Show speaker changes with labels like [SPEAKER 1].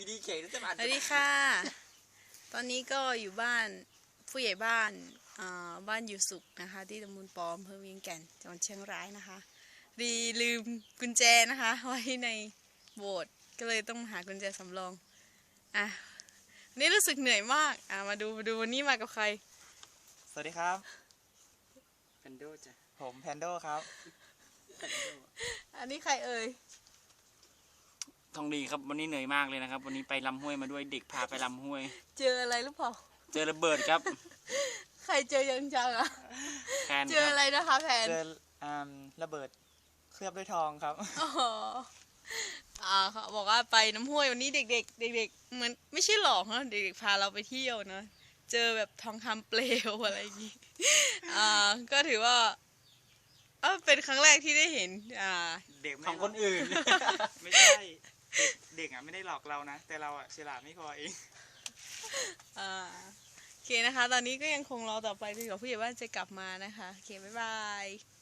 [SPEAKER 1] อยู่ดีเข่งจะผ่าน
[SPEAKER 2] สวัสดีค่ะตอนนี้ก็อยู่บ้านผู้ใหญ่บ้านบ้านอยู่สุขนะคะที่ตำบลปอมอำเภอเวียงแก่นจังหวัดเชียงรายนะคะลืมกุญแจนะคะไว้ในโบสถ์ก็เลยต้องหากุญแจสำรองนี่รู้สึกเหนื่อยมากมาดูวันนี้มากับใคร
[SPEAKER 3] สวัสดีครับ
[SPEAKER 1] แพนโดจ้ะ
[SPEAKER 3] ผมแพนโดครับ
[SPEAKER 2] อันนี้ใครเอ่ย
[SPEAKER 1] ทองดีครับวันนี้เหนื่อยมากเลยนะครับวันนี้ไปลำห้วยมาด้วยเด็กพาไปลำห้วย
[SPEAKER 2] เจออะไรหรือเปล่า
[SPEAKER 1] เจอระเบิดครับ
[SPEAKER 2] ใครเจอยังจังอะ
[SPEAKER 1] แพน
[SPEAKER 2] เจออะไรนะคะแพน
[SPEAKER 3] เจอระเบิดเคลือบด้วยทองครับ
[SPEAKER 2] เขาบอกว่าไปน้ำห้วยวันนี้เด็กเหมือนไม่ใช่หลอกนะเด็กๆพาเราไปเที่ยวนะเจอแบบทองคำเปลวอะไรอย่างงี้ก็ถือว่าเป็นครั้งแรกที่ได้เห็น
[SPEAKER 3] เด็ก
[SPEAKER 1] ของคนอื่น
[SPEAKER 3] ไม่ใช่เด็กไม่ได้หลอกเรานะ แต่เราฉลาดไม่พอเอง
[SPEAKER 2] โอเคนะคะ ตอนนี้ก็ยังคงรอต่อไปจนกว่าผู้ใหญ่บ้านจะกลับมานะคะโอเคบ๊ายบาย